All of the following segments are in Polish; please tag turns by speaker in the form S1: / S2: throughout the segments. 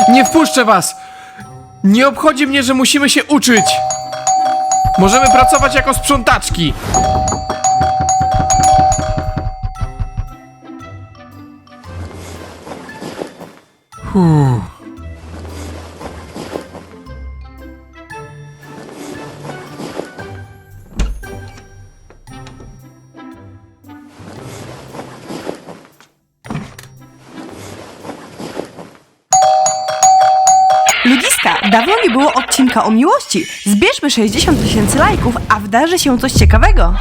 S1: Nie wpuszczę was! Nie obchodzi mnie, że musimy się uczyć! Możemy pracować jako sprzątaczki!
S2: Ludziska, dawno nie było odcinka o miłości. Zbierzmy 60 000 lajków, a wydarzy się coś ciekawego.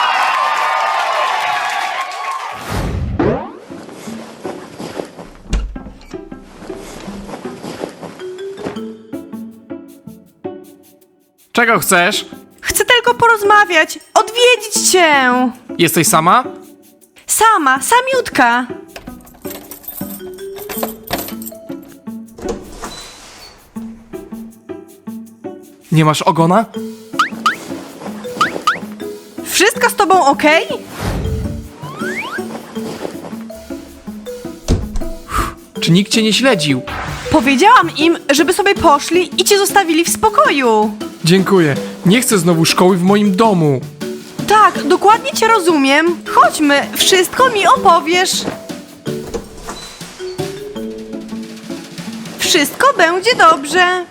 S1: Czego chcesz?
S2: Chcę tylko porozmawiać, odwiedzić cię.
S1: Jesteś sama?
S2: Sama, samiutka.
S1: Nie masz ogona?
S2: Wszystko z tobą okej?
S1: Czy nikt cię nie śledził?
S2: Powiedziałam im, żeby sobie poszli i cię zostawili w spokoju.
S1: Dziękuję. Nie chcę znowu szkoły w moim domu.
S2: Tak, dokładnie cię rozumiem. Chodźmy, wszystko mi opowiesz. Wszystko będzie dobrze.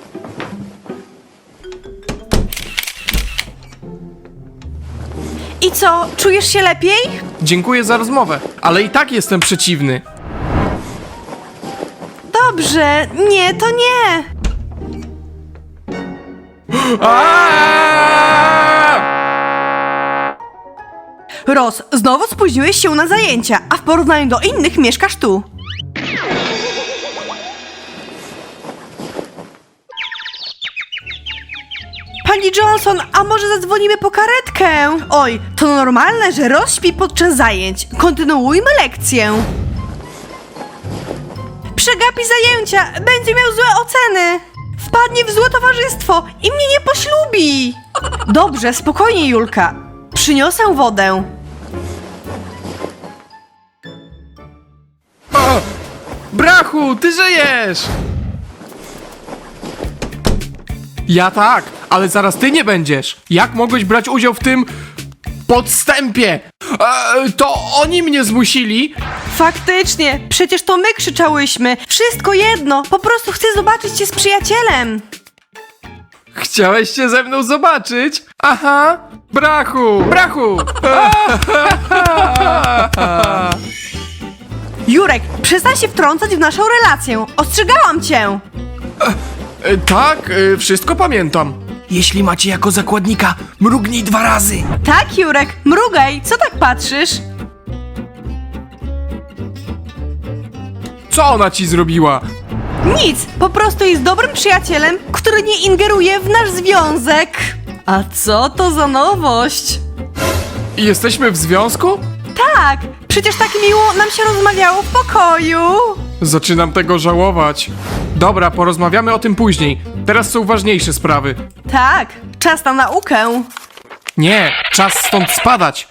S2: I co, czujesz się lepiej?
S1: Dziękuję za rozmowę, ale i tak jestem przeciwny.
S2: Dobrze, nie, to nie. Roz, znowu spóźniłeś się na zajęcia, a w porównaniu do innych mieszkasz tu. Pani Johnson, a może zadzwonimy po karetkę? Oj, to normalne, że Roz śpi podczas zajęć. Kontynuujmy lekcję. Przegapi zajęcia, będzie miał złe oceny. Wpadnie w złe towarzystwo i mnie nie poślubi. Dobrze, spokojnie, Julka. Przyniosę wodę.
S1: O! Brachu, ty żyjesz! Ja tak, ale zaraz ty nie będziesz. Jak mogłeś brać udział w tym podstępie? To oni mnie zmusili.
S2: Faktycznie, przecież to my krzyczałyśmy. Wszystko jedno, po prostu chcę zobaczyć cię z przyjacielem.
S1: Chciałeś się ze mną zobaczyć? Aha, brachu, brachu!
S2: Jurek, przestań się wtrącać w naszą relację. Ostrzegałam cię.
S1: Tak, wszystko pamiętam. Jeśli macie jako zakładnika, mrugnij 2 razy.
S2: Tak, Jurek, mrugaj, co tak patrzysz?
S1: Co ona ci zrobiła?
S2: Nic, po prostu jest dobrym przyjacielem, który nie ingeruje w nasz związek. A co to za nowość?
S1: Jesteśmy w związku?
S2: Tak, przecież tak miło nam się rozmawiało w pokoju.
S1: Zaczynam tego żałować. Dobra, porozmawiamy o tym później. Teraz są ważniejsze sprawy.
S2: Tak, czas na naukę.
S1: Nie, czas stąd spadać.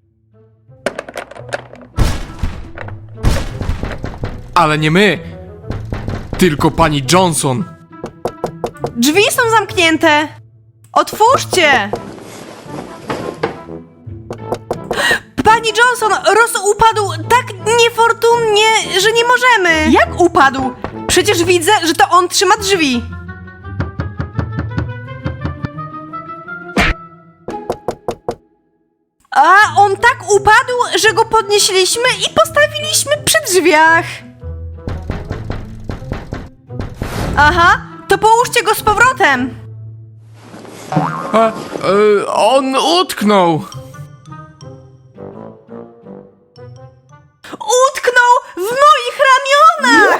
S1: Ale nie my, tylko pani Johnson.
S2: Drzwi są zamknięte. Otwórzcie. Pani Johnson, Roz upadł tak niefortunnie, że nie możemy. Jak upadł? Przecież widzę, że to on trzyma drzwi. A on tak upadł, że go podnieśliśmy i postawiliśmy przy drzwiach. Aha, to połóżcie go z powrotem.
S1: On utknął.
S2: Utknął w moich ramionach!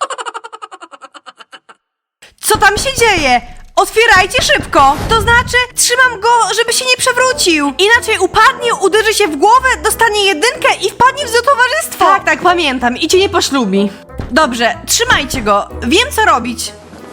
S2: Co tam się dzieje? Otwierajcie szybko! To znaczy, trzymam go, żeby się nie przewrócił. Inaczej upadnie, uderzy się w głowę, dostanie 1 i wpadnie w złe towarzystwo. Tak, pamiętam i cię nie poślubi. Dobrze, trzymajcie go. Wiem, co robić.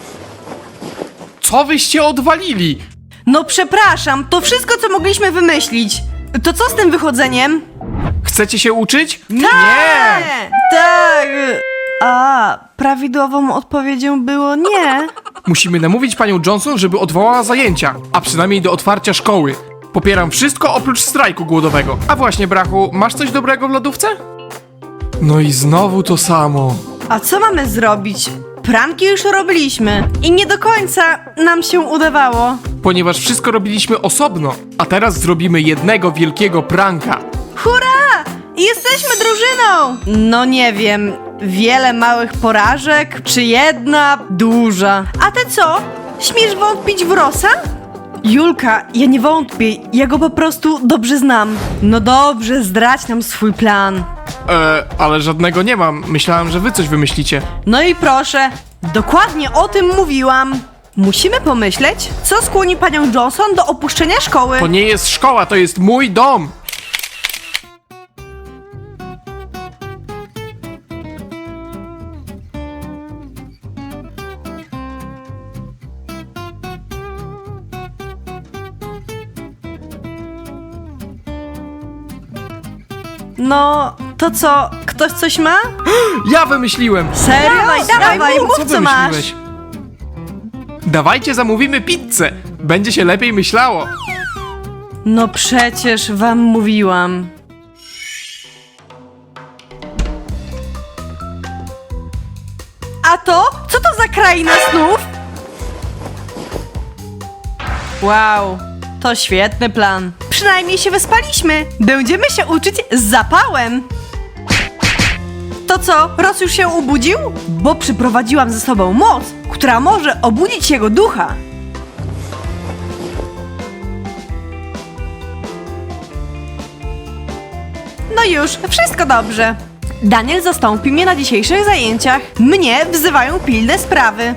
S1: Co wyście odwalili?
S2: No przepraszam, to wszystko, co mogliśmy wymyślić. To co z tym wychodzeniem?
S1: Chcecie się uczyć?
S2: Tak! Tak! A. A prawidłową odpowiedzią było nie.
S1: Musimy namówić panią Johnson, żeby odwołała zajęcia, a przynajmniej do otwarcia szkoły. Popieram wszystko oprócz strajku głodowego. A właśnie, brachu, masz coś dobrego w lodówce? No i znowu to samo.
S2: A co mamy zrobić? Pranki już robiliśmy i nie do końca nam się udawało.
S1: Ponieważ wszystko robiliśmy osobno, a teraz zrobimy jednego wielkiego pranka.
S2: Hurra! Jesteśmy drużyną! No nie wiem, wiele małych porażek, czy jedna duża? A ty co? Śmiesz wątpić w Rossa? Julka, ja nie wątpię, ja go po prostu dobrze znam. No dobrze, zdradź nam swój plan.
S1: Ale żadnego nie mam. Myślałem, że wy coś wymyślicie.
S2: No i proszę, dokładnie o tym mówiłam. Musimy pomyśleć, co skłoni panią Johnson do opuszczenia szkoły.
S1: To nie jest szkoła, to jest mój dom.
S2: No, to co, ktoś coś ma?
S1: Ja wymyśliłem.
S2: Serio? Dawaj, mów co masz.
S1: wymyśliłeś? Dawajcie zamówimy pizzę. Będzie się lepiej myślało.
S2: No przecież wam mówiłam. A to? Co to za kraina snów? Wow, to świetny plan. Przynajmniej się wyspaliśmy. Będziemy się uczyć z zapałem. To co, Ross już się obudził? Bo przyprowadziłam ze sobą moc, która może obudzić jego ducha. No już, wszystko dobrze. Daniel zastąpi mnie na dzisiejszych zajęciach. Mnie wzywają pilne sprawy.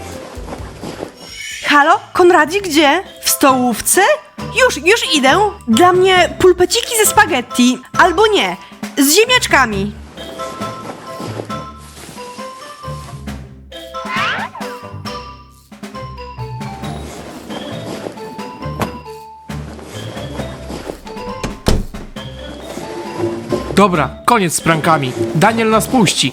S2: Halo? Konradzi gdzie? W stołówce? Już idę. Dla mnie pulpeciki ze spaghetti. Albo nie, z ziemniaczkami.
S1: Dobra, koniec z prankami. Daniel nas puści.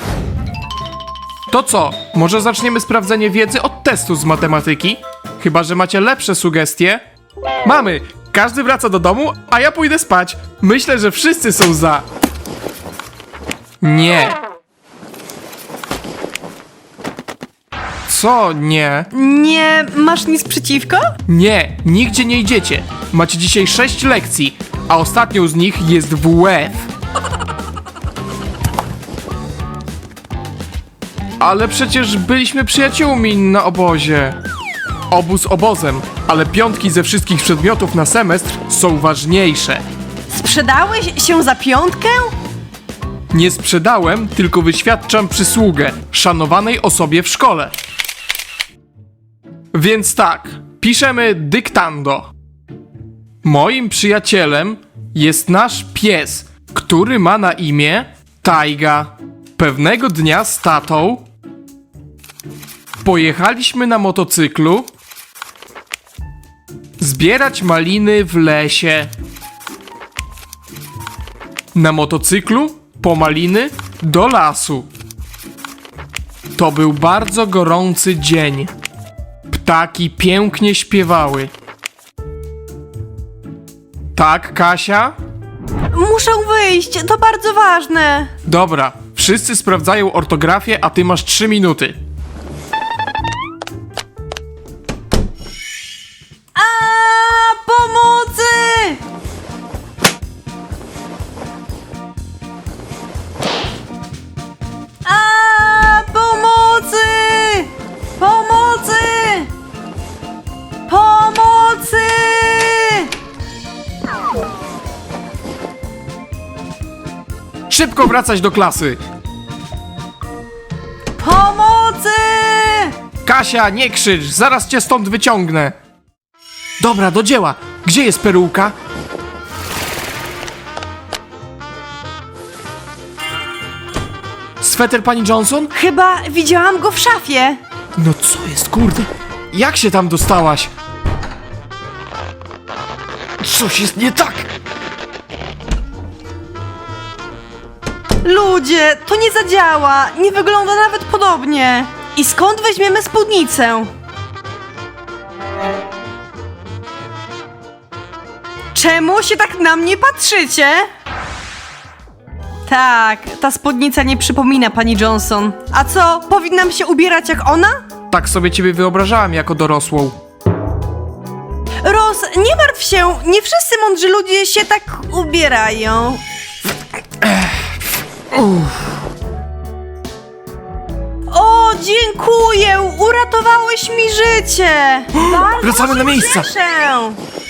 S1: To co? Może zaczniemy sprawdzenie wiedzy od testu z matematyki? Chyba że macie lepsze sugestie? Mamy! Każdy wraca do domu, a ja pójdę spać. Myślę, że wszyscy są za. Nie. Co nie?
S2: Nie masz nic przeciwko?
S1: Nie, nigdzie nie idziecie. Macie dzisiaj 6 lekcji, a ostatnią z nich jest WF. Ale przecież byliśmy przyjaciółmi na obozie. Obóz obozem, ale piątki ze wszystkich przedmiotów na semestr są ważniejsze.
S2: Sprzedałeś się za piątkę?
S1: Nie sprzedałem, tylko wyświadczam przysługę szanowanej osobie w szkole. Więc tak, piszemy dyktando. Moim przyjacielem jest nasz pies, który ma na imię Tajga. Pewnego dnia z tatą pojechaliśmy na motocyklu zbierać maliny w lesie. Na motocyklu po maliny do lasu. To był bardzo gorący dzień. Ptaki pięknie śpiewały. Tak, Kasia?
S2: Muszę wyjść, to bardzo ważne.
S1: Dobra, wszyscy sprawdzają ortografię, a ty masz 3 minuty.
S2: A pomocy! A pomocy! Pomocy! Pomocy!
S1: Szybko wracać do klasy.
S2: Pomocy!
S1: Kasia, nie krzycz, zaraz cię stąd wyciągnę. Dobra, do dzieła. Gdzie jest peruka? Sweter pani Johnson?
S2: Chyba widziałam go w szafie.
S1: No co jest, kurde? Jak się tam dostałaś? Coś jest nie tak.
S2: Ludzie, to nie zadziała. Nie wygląda nawet podobnie. I skąd weźmiemy spódnicę? Czemu się tak na mnie patrzycie? Tak, ta spódnica nie przypomina pani Johnson. A co, powinnam się ubierać jak ona?
S1: Tak sobie ciebie wyobrażałem jako dorosłą.
S2: Roz, nie martw się, nie wszyscy mądrzy ludzie się tak ubierają. O, dziękuję, uratowałeś mi życie. Bardzo
S1: Wracamy
S2: się
S1: na miejsce.
S2: cieszę.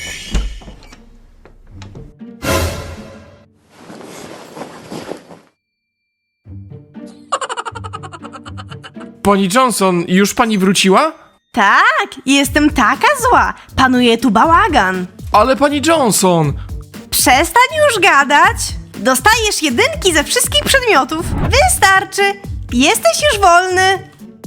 S1: Pani Johnson, już pani wróciła?
S2: Tak, jestem taka zła. Panuje tu bałagan.
S1: Ale pani Johnson!
S2: Przestań już gadać. Dostajesz jedynki ze wszystkich przedmiotów. Wystarczy. Jesteś już wolny.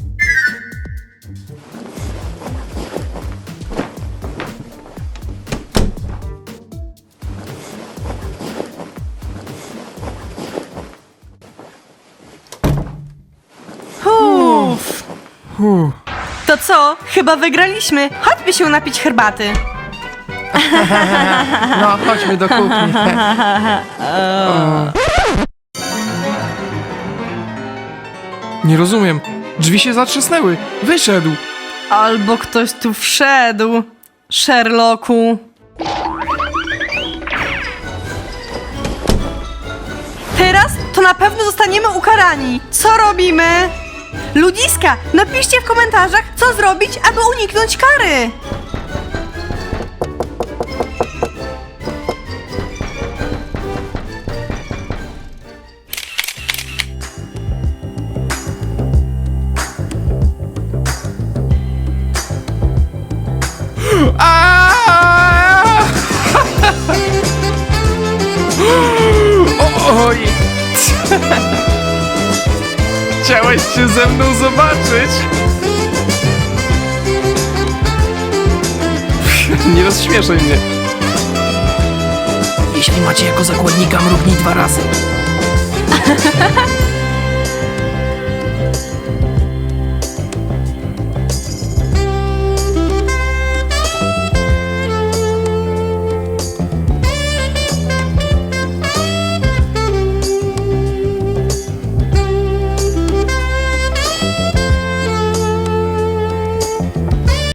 S2: Uff. To co? Chyba wygraliśmy. Chodźmy się napić herbaty.
S1: No, chodźmy do kuchni. O. Nie rozumiem. Drzwi się zatrzasnęły. Wyszedł.
S2: Albo ktoś tu wszedł. Sherlocku. Teraz to na pewno zostaniemy ukarani. Co robimy? Ludziska, napiszcie w komentarzach, co zrobić, aby uniknąć kary.
S1: Aaaa! Oj! Chciałeś się ze mną zobaczyć? Nie rozśmieszaj mnie. Jeśli macie jako zakładnika, mrugnij 2 razy.